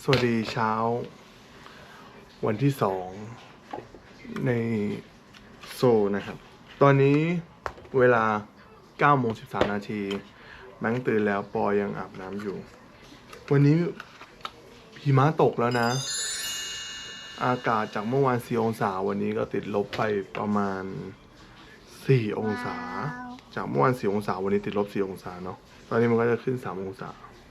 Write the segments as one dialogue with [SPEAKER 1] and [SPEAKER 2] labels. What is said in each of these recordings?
[SPEAKER 1] สวัสดีเช้าวันที่2ในโซลนะครับตอนนี้เวลา9:13 นาทีแบงค์ตื่นแล้วปอยังอาบน้ำอยู่วันนี้หิมะตกแล้วนะอากาศจากเมื่อวาน4 องศาวันนี้ก็ติดลบไปประมาณ4 องศาจากเมื่อวาน4 องศาวันนี้ติดลบ4 องศาเนาะตอนนี้มันก็จะขึ้น3 องศา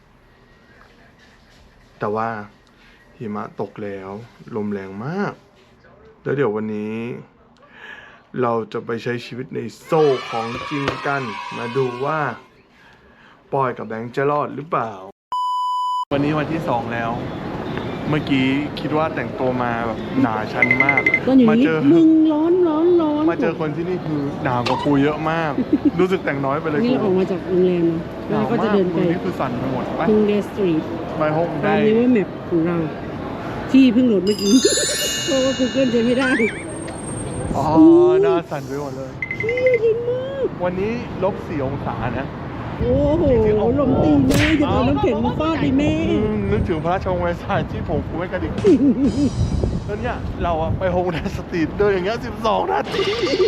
[SPEAKER 1] แต่ว่าหิมะตกแล้วลมแรงมากแล้วเดี๋ยววันนี้เราจะไปใช้ชีวิตในโซ่ของจริงกันมาดูว่าปอยกับแบงค์จะรอดหรือเปล่าวันนี้วันที่2แล้วเมื่อกี้คิดว่าแต่งตัวมาแบบหนาชั้นมาก
[SPEAKER 2] มาเจอมึงร้อน
[SPEAKER 1] มาเจอคนที่นี่คือหนาวกว่ากูเยอะมาก รู้สึกแต่งน้อยไปเลย
[SPEAKER 2] นี่เราออกมาจากโรงแรมเนาะแล้วก็จะเดินไป
[SPEAKER 1] นี่คือสั่นไปหมดไป
[SPEAKER 2] ฮงเดสตรีท
[SPEAKER 1] ไปฮงได้
[SPEAKER 2] ตามนี้ว่าแมปของเราที่เพิ่งโหลดเมื่อกี้เพราะว่า Google ใช้ไม่ได้
[SPEAKER 1] อ๋อหน้าสั่นไปหมดเลย
[SPEAKER 2] เย็นมาก
[SPEAKER 1] วันนี้-4 องศานะ
[SPEAKER 2] โอ้โหลมตีแม่อย่าเอาน้ำแข็งมาฟาดดิแม่
[SPEAKER 1] นึกถึงพระราชวังแวร์ซายน์ที่ผมกูไม่กระดิกแล้วเนี่ยเราอะไปโฮงแดนสตรีทเดินอย่างเงี้ย12 นาที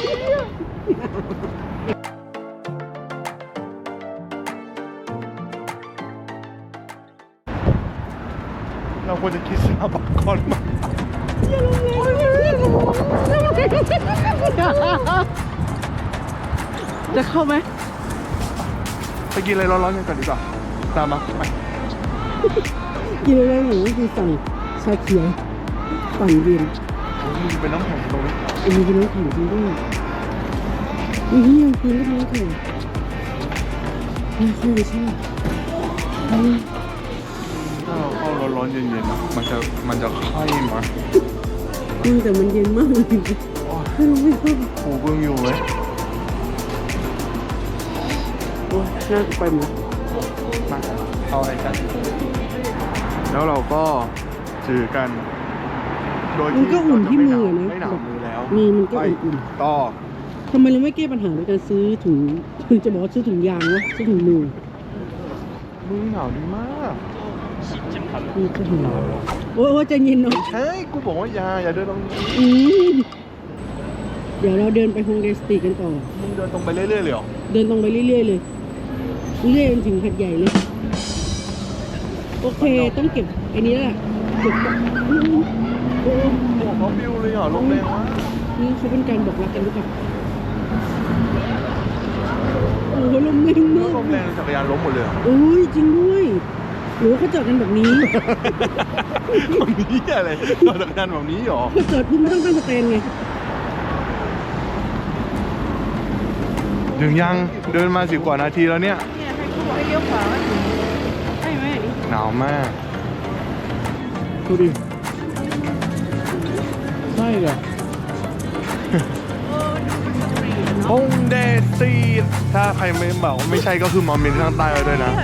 [SPEAKER 1] เราควรจะคิดสาบักก่อนมา
[SPEAKER 2] จะเข้าไหม
[SPEAKER 1] ไปกินอะไรร้อนๆกันก่อนดีกว่าตามมาไป
[SPEAKER 2] กินอะไรหนูคือสั่งชาเขียวปั่นเย็น
[SPEAKER 1] มีเป็นน้ำแข็งตรงนี้
[SPEAKER 2] มีเป็นน้ำแข็งจริงด้วยนี่ยังกินก็น้ำแข็งนี่คือใช่
[SPEAKER 1] ถ้าเราเข้าร้อนๆเย็นๆนะมันจะไข้มา
[SPEAKER 2] แต่มันเย็นมากเลยถ้าเราไม่เข้า
[SPEAKER 1] โอ้เบิ่งอยู่ไหม
[SPEAKER 2] โอ้น่าไปหมด
[SPEAKER 1] มาเอาอะไรกันแล้วเราก็จือกันโดย
[SPEAKER 2] มันก็อุ่นที่มือนะ
[SPEAKER 1] ไม่หนาวมือแล้ว
[SPEAKER 2] นี่มันก็อุ่น
[SPEAKER 1] ต่อ
[SPEAKER 2] ทำไมเราไม่แก้ปัญหาด้วยการซื้อถุงจะบอกว่าซื้อถุงยางวะซื้อถุงมือ
[SPEAKER 1] หนาวดีมาก
[SPEAKER 2] นี่ก็ถุงโอ้ยใจเย็นหน่อย
[SPEAKER 1] ใช่กูบอกว่าอย่าเดินตรงนี้
[SPEAKER 2] เดี๋ยวเราเดินไปฮงเดสตรีทกันต่อ
[SPEAKER 1] มึงเดินตรงไปเรื่อยๆเลยเหรอ
[SPEAKER 2] เดินตรงไปเรื่อยๆเลยเรื่อยจนถึงหัดใหญ่เลยโอเคต้องเก็บไอ้นี้แหละเก็บ
[SPEAKER 1] โอ้เขาบิวเลยเหรอลมแรงมาก
[SPEAKER 2] นี่เขาเป็นการบอกรักกันหรือเปล่าโอ้โหลมแรงมาก
[SPEAKER 1] ลมแรงจักรยานล้มหมดเลย
[SPEAKER 2] โอ้ยจริงด้วยหรือเขาจอดกันแบบนี้
[SPEAKER 1] แบบนี้อะไรจอดจักรยานแบบนี้หรอ
[SPEAKER 2] ก็จอดพุ่งข้างสแตนไง
[SPEAKER 1] ถึงยังเดินมา10 กว่านาทีแล้วเนี่ย
[SPEAKER 2] ให้เขาบอกให้เลี้ยวขวาใช่ไหม
[SPEAKER 1] หนาวมากดูดิใช่เหรอฮงเดสตรีทถ้าใครไม่บอกว่าไม่ใช่ก็คือมาเมนข้างใต้ไว้ด้วยนะ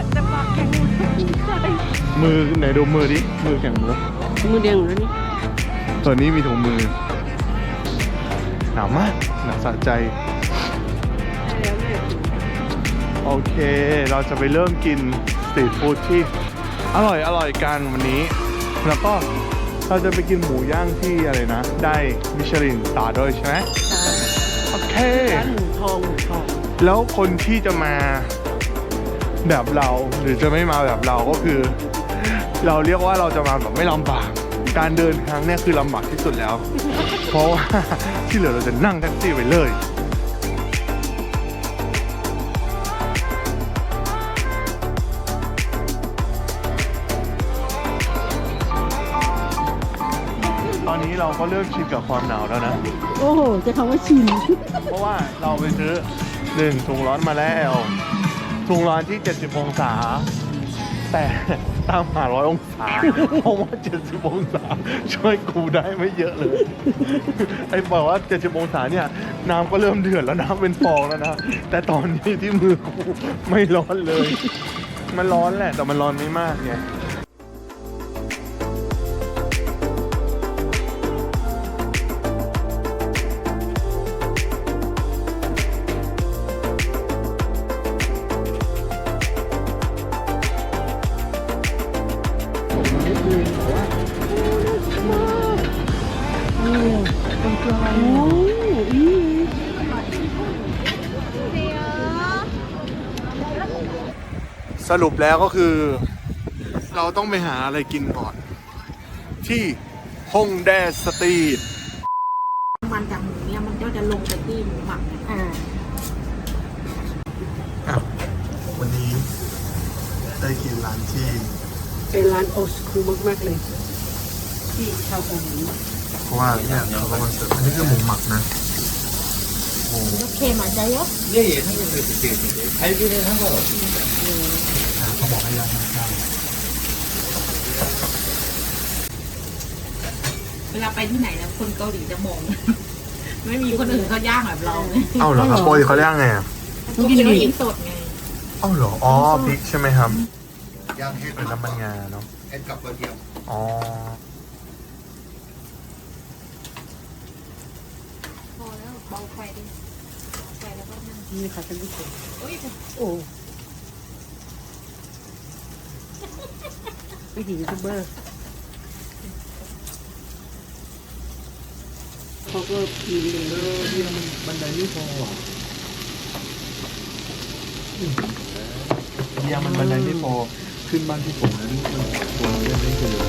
[SPEAKER 1] มือไหนดูมือดิมือแข็งมือ
[SPEAKER 2] แดงแล้วนี่
[SPEAKER 1] ตัวนี้มีถุงมือหนาวมากหนาวสะใจโอเคเราจะไปเริ่มกินสตรีทฟู้ดที่อร่อยกันวันนี้แล้วก็เราจะไปกินหมูย่างที่อะไรนะได้มิชลินสตาร์ด้วยใช่ไหมโอเค
[SPEAKER 2] ร้านหมูทอง
[SPEAKER 1] แล้วคนที่จะมาแบบเราหรือจะไม่มาแบบเราก็คือเราเรียกว่าเราจะมาแบบไม่ลำบากการเดินทางเนี่ยคือลำบากที่สุดแล้วเพราะว่าที่เหลือเราจะนั่งแท็กซี่ไปเลยตอนนี้เราก็เริ่มชินกับความหนาวแล้วนะ
[SPEAKER 2] โอ้โหจะคำว่าชิน
[SPEAKER 1] เพราะว่าเราไปซื้อ1 ถุงร้อนมาแล้วถุงร้อนที่70 องศาแต่ตามหา100 องศาเพราะว่า70 องศาช่วยกูได้ไม่เยอะเลยไอ้บอกว่า70 องศาเนี่ยน้ำก็เริ่มเดือดแล้วน้ำเป็นฟองแล้วนะแต่ตอนนี้ที่มือกูไม่ร้อนเลยมันร้อนแหละแต่มันร้อนไม่มากไงไกล
[SPEAKER 2] โอ้นี่
[SPEAKER 1] สรุปแล้วก็คือ เราต้องไปหาอะไรกินก่อน ที่ฮงแดสตรีท
[SPEAKER 3] มันจากหมูเนี่ยมันก็จะลงไปที่หมูหมักเนี่ย
[SPEAKER 1] วันนี้ได้กินร้านที่
[SPEAKER 2] เป็นร้านโอสคูลมากๆเลย ที่ชาวเกาหลี
[SPEAKER 1] เพราะว่าเนี่ยเขาก็มาเสิร์ฟอันนี้คือหมูหมักนะหมู
[SPEAKER 3] โอเคมาใจเยอะ
[SPEAKER 4] 예예 상관없어요 그때 갈비는 상관없습니다.
[SPEAKER 1] เขาบอกให้ย่างข้าว
[SPEAKER 3] เวลาไปที่ไหนแล้วคนเกาหลีจะมอง ไม่มีคนอื่นเขาย่างแบบเราไง
[SPEAKER 1] เอ้าเหรอครับโปรยเขาเรียกไงอ่ะ
[SPEAKER 3] เขากินเราเองสดไง
[SPEAKER 1] เอ้าเหรออ๋อพริกใช่ไหมครับ
[SPEAKER 4] 양 햇,
[SPEAKER 1] เป็นน้ำมันงาเนาะ
[SPEAKER 4] 햇값 어디요?
[SPEAKER 1] อ๋อ
[SPEAKER 3] พอแล้วเบาไฟดิไฟแล้วก็นั่ง
[SPEAKER 2] นี่ค่ะท่านผู้ชม
[SPEAKER 3] โอ้ย
[SPEAKER 2] โอ้ไม่ถึงยูทูบเบอร์เขาก็มีเลย
[SPEAKER 1] ที่มันบันไดไม่พอเนี่ยมันบันไดไม่พอขึ้นบ้านที่ผมนั้นมันตัวเรายังไม่เจอ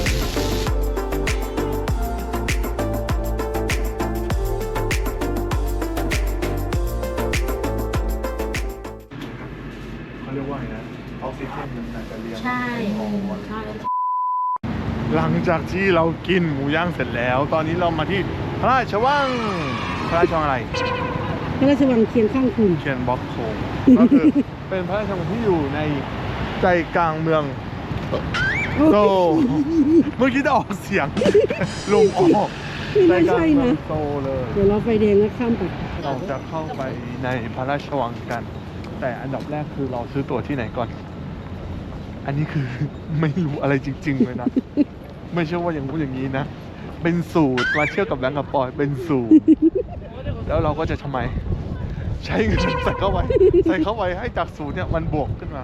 [SPEAKER 1] เขาเรียกว่าไงนะออกซิเจนมันอาจจะเลี้ยง
[SPEAKER 3] ใช่ใช่
[SPEAKER 1] หลังจากที่เรากินหมูย่างเสร็จแล้ว ตอนนี้เรามาที่พระราชวังพระราชวังอะไร
[SPEAKER 2] พระราชวังเคียงข้างคุณ
[SPEAKER 1] เคียนบ็อกโคงก็คือเป็นพระราชวังที่อยู่ในใจกลางเมืองโซลเมื่อกี้จะออกเสียง ลงออกใจ
[SPEAKER 2] ไม่
[SPEAKER 1] กลาง
[SPEAKER 2] ใช่
[SPEAKER 1] เมือง
[SPEAKER 2] นะ
[SPEAKER 1] โซลเลย
[SPEAKER 2] เดี๋ยวเราไฟแดงแล้วข้ามไป
[SPEAKER 1] เราจะเข้าไปในพระราชวังกัน แต่อันดับแรกคือเราซื้อตั๋วที่ไหนก่อน อันนี้คือ ไม่รู้อะไรจริง ๆ เลยนะ ไม่ใช่ว่าอย่างนู้นอย่างนี้นะ เป็นสูตรมาเที่ยวกับแบงก์กับปอยเป็นสูตร แล้วเราก็จะทำไม ใช้เงินใส่เข้าไปให้จากสูตรเนี่ยมันบวกขึ้นมา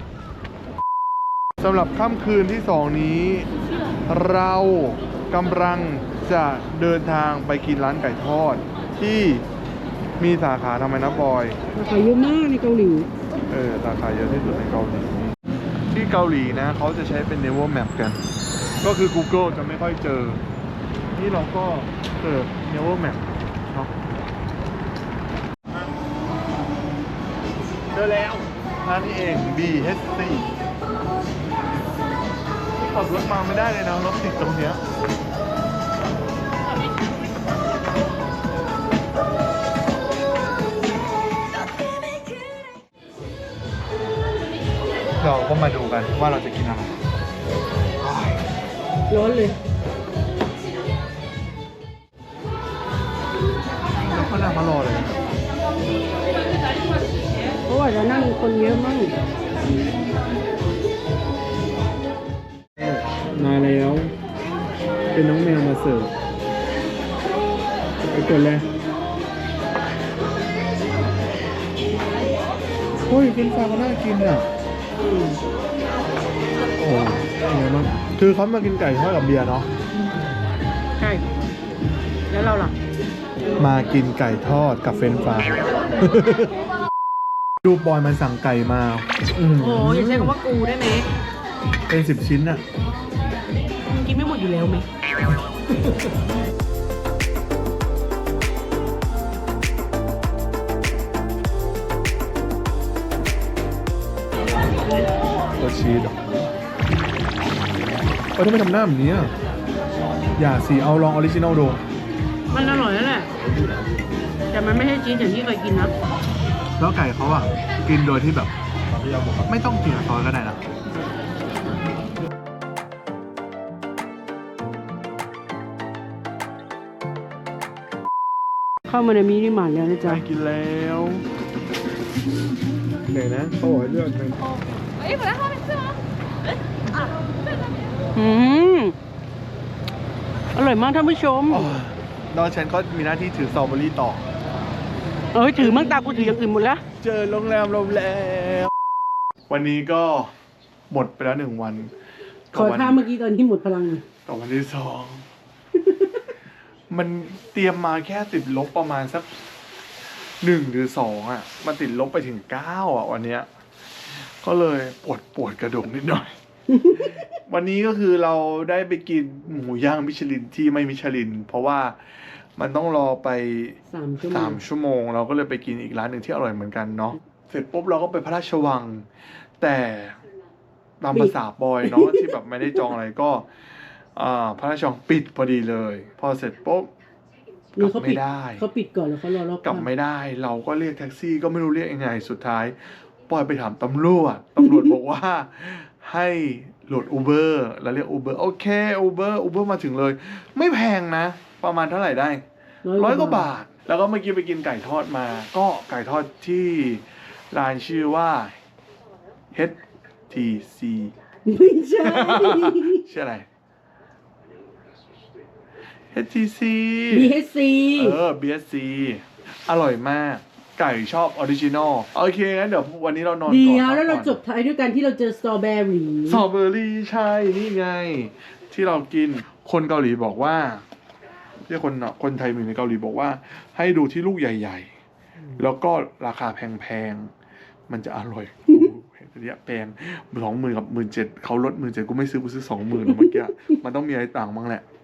[SPEAKER 1] สำหรับค่ำคืนที่สองนี้ เรากำลังจะเดินทางไปกินร้านไก่ทอด ที่มีสาขาทำไมนะบอย
[SPEAKER 2] ราคาเยอะมากในเกาหลี
[SPEAKER 1] สาขาเยอะที่สุดในเกาหลี ที่เกาหลีนะเขาจะใช้เป็น Naver Map กัน ก็คือ Google จะไม่ค่อยเจอ นี่เราก็เปิด Naver Map เนาะเจอแล้วร้านนี้เอง BHC ขับรถมาไม่ได้เลยนะรถติดตรงเนี้ยเราก็มาดูกันว่าเราจะกินอะไร
[SPEAKER 2] ร้อนเลย
[SPEAKER 1] แล้วก็นั่งมารอเลยนะ
[SPEAKER 2] เพราะว่าจะนั่งคนเยอะมากมาแล้ว เป็นน้องแมวมาเสิร์ฟไปกดเลย
[SPEAKER 1] เฮ้ยเป็นฟาก็น่ากินอ่ะ โอ้เป็นไงบ้างคือเขามากินไก่ทอดกับเบียร์เนาะ
[SPEAKER 2] ใช่ แล้วเราล่ะ
[SPEAKER 1] มากินไก่ทอดกับเฟรนช์ฟราย ดูบอยมันสั่งไก่มา
[SPEAKER 2] โอ้โหอย่าใช้คำว่ากูได้ไหม
[SPEAKER 1] เป็น10 ชิ้นอ่ะ
[SPEAKER 2] มึงกินไม่หมดอยู่แล้วไหม
[SPEAKER 1] ตัวชีสเหรอทำไมทำหน้าแบบนี้อ่ะอย่าสิเอาลองออริจินอลดู
[SPEAKER 2] มันอร่อยแล้วแหละ แต่มันไม่ใช่จีนอย่างที่เคยกินนะ
[SPEAKER 1] แล้วไก่เขาอ่ะ กินโดยที่แบบ ไม่ต้องกินกับซอสก็ได้นะ
[SPEAKER 2] เข้ามาในมินิมาร์ทแล้วนะจ๊ะ
[SPEAKER 1] ไปกินแล้วไหนนะเขาบอกให้เลือกเป็น
[SPEAKER 2] อืมอร่อยมากท่านผู้ชม
[SPEAKER 1] ดอนฉันก็มีหน้าที่ถือสตรอเบอรี่ต่อ
[SPEAKER 2] เอ้ยถือมั่งตากูถืออย่างอื่นหมดแล้ว
[SPEAKER 1] เจอโรงแรมวันนี้ก็หมดไปแล้ว1 วัน
[SPEAKER 2] ขอท่าเมื่อกี้ตอนที่หมดพลัง
[SPEAKER 1] กับวันที่2 มันเตรียมมาแค่ติดลบประมาณสัก1 หรือ 2อ่ะมันติดลบไปถึง9อ่ะวันเนี้ยก็เลยปวดกระดูกนิดหน่อย วันนี้ก็คือเราได้ไปกินหมูย่างมิชลินที่ไม่มิชลิน เพราะว่ามันต้องรอไป
[SPEAKER 2] 3 ชั่วโมง
[SPEAKER 1] 3 ชั่วโมงเราก็เลยไปกินอีกร้านหนึ่งที่อร่อยเหมือนกันเนาะเสร็จปุ๊บเราก็ไปพระราชวัง แต่ตามภาษาบอยเนาะ ที่แบบไม่ได้จองอะไรก็พระราชวังปิดพอดีเลย พอเสร็จปุ๊บกลับไม่ได้
[SPEAKER 2] เขาปิดก่อนแล้วเขารอรอบ
[SPEAKER 1] กลับไม่ได้ เราก็เรียกแท็กซี่ก็ไม่รู้เรียกยังไงสุดท้ายปอยไปถามตำรวจบอกว่าให้โหลด Uber แล้วเรียก Uber โอเค Uber มาถึงเลย ไม่แพงนะ ประมาณเท่าไหร่ได้100 กว่าบาท แล้วก็เมื่อกี้ไปกินไก่ทอดมา ก็ไก่ทอดที่ร้านชื่อว่า HTC
[SPEAKER 2] ไม่ใช่
[SPEAKER 1] ชื่ออะไร HTC
[SPEAKER 2] BHC
[SPEAKER 1] BSC อร่อยมาก ไก่ชอบออริจินอลโอเคงั้นเดี๋ยววันนี้เรานอน
[SPEAKER 2] เดี๋
[SPEAKER 1] ก่อน
[SPEAKER 2] ยวแล้วเรา
[SPEAKER 1] พัก
[SPEAKER 2] จ
[SPEAKER 1] ก่อน
[SPEAKER 2] บท้ายด้วยกันที่เราเจอสตรอเบอรี่
[SPEAKER 1] สตรอเบอรี่ใช่ นี่ไง ที่เรากินคนเกาหลีบอกว่าที่คนไทยอยู่ในเกาหลีบอกว่า ให้ดูที่ลูกใหญ่ๆ แล้วก็ราคาแพงๆ มันจะอร่อยโอ้โหเนี่ยแพง20,000 กับ 17,000เขาลด 17,000กูไม่ซื้อกูซื้อ 20,000นะเมื่อกี้ มันต้องมีอะไรต่างบ้างแหละ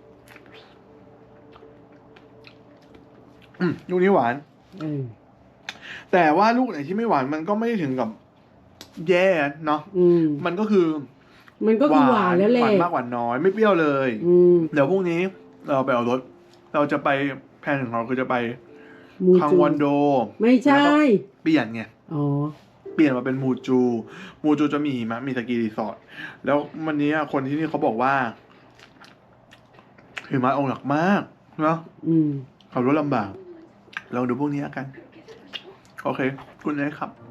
[SPEAKER 1] ลูกนี้หวาน แต่ว่าลูกไหนที่ไม่หวานมันก็ไม่ได้ถึงกับแย่เนาะมันก็คือ
[SPEAKER 2] หวานแล้วแหละ
[SPEAKER 1] หวานมากหวานน้อยไม่เปรี้ยวเลยเดี๋ยวพรุ่งนี้เราไปเอารถเราจะไปแพลนของเราคือจะไปคังวอนโด
[SPEAKER 2] ไม่ใช่
[SPEAKER 1] เปลี่ยนไง
[SPEAKER 2] อ๋อ
[SPEAKER 1] เปลี่ยนมาเป็นมูจูจะมีหิมะมีสกีรีสอร์ทแล้ววันนี้คนที่นี่เขาบอกว่าหิมะออกหนักมากเนาะขับรถลำบากลองดูพวกนี้กันโอเคคุณนายครับ